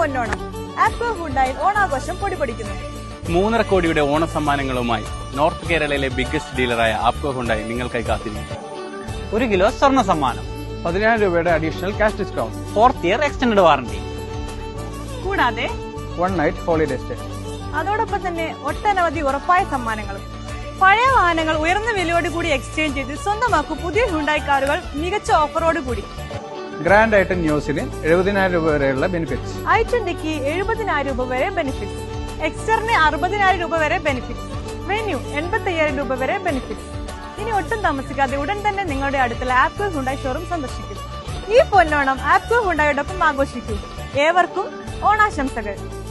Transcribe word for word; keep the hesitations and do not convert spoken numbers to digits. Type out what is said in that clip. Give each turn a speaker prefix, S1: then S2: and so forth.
S1: പൊന്നോണം. ആപ്കോ ഹുണ്ടായിൽ ഓണാഘോഷം പൊടിപൊടിക്കുന്നു.
S2: മൂന്നര കോടിയുടെ ഓണസമ്മാനങ്ങളുമായി നോർത്ത് കേരളയിലെ ബിഗ്ഗസ്റ്റ് ഡീലറായ ആപ്കോ ഹുണ്ടായി നിങ്ങൾക്കായി കാത്തിരിക്കും.
S3: ഒരു കിലോ സ്വർണ്ണ സമ്മാനം,
S4: പതിനായിരം രൂപയുടെ additional cash discount,
S3: fourth year extend warranty,
S1: കൂടാതെ
S4: വൺ നൈറ്റ് ഹോളിഡേ സ്റ്റേ.
S1: അതോടൊപ്പം തന്നെ ഒട്ടനവധി ഉറപ്പായ സമ്മാനങ്ങളും. പഴയ വാഹനങ്ങൾ ഉയർന്ന വിലയോട് കൂടി എക്സ്ചേഞ്ച് ചെയ്ത് സ്വന്തമാക്കും പുതിയ ഹ്യുണ്ടായി കാറുകൾ മികച്ച ഓഫറോട് കൂടി.
S4: ഗ്രാൻഡ് ഐറ്റൻ ന്യൂസിന് എഴുപതിനായിരം രൂപ വരെയുള്ള ബെനിഫിറ്റ്സ്,
S1: ഐ ട്വന്റിക്ക് എഴുപതിനായിരം രൂപ വരെ ബെനിഫിറ്റ്സ്, എക്സ്റ്ററിന് അറുപതിനായിരം രൂപ വരെ ബെനിഫിറ്റ്സ്, വെന്യൂ എൺപത്തി അയ്യായിരം രൂപ വരെ ബെനിഫിറ്റ്സ്. ഇനി ഒട്ടും താമസിക്കാതെ ഉടൻ തന്നെ നിങ്ങളുടെ അടുത്തുള്ള ആപ്കോ ഹുണ്ടായി ഷോറൂം സന്ദർശിക്കും. ഈ പൊന്നോണം ആപ്കോ ഹുണ്ടായോടൊപ്പം ആഘോഷിക്കൂ. ഏവർക്കും ഓണാശംസകൾ.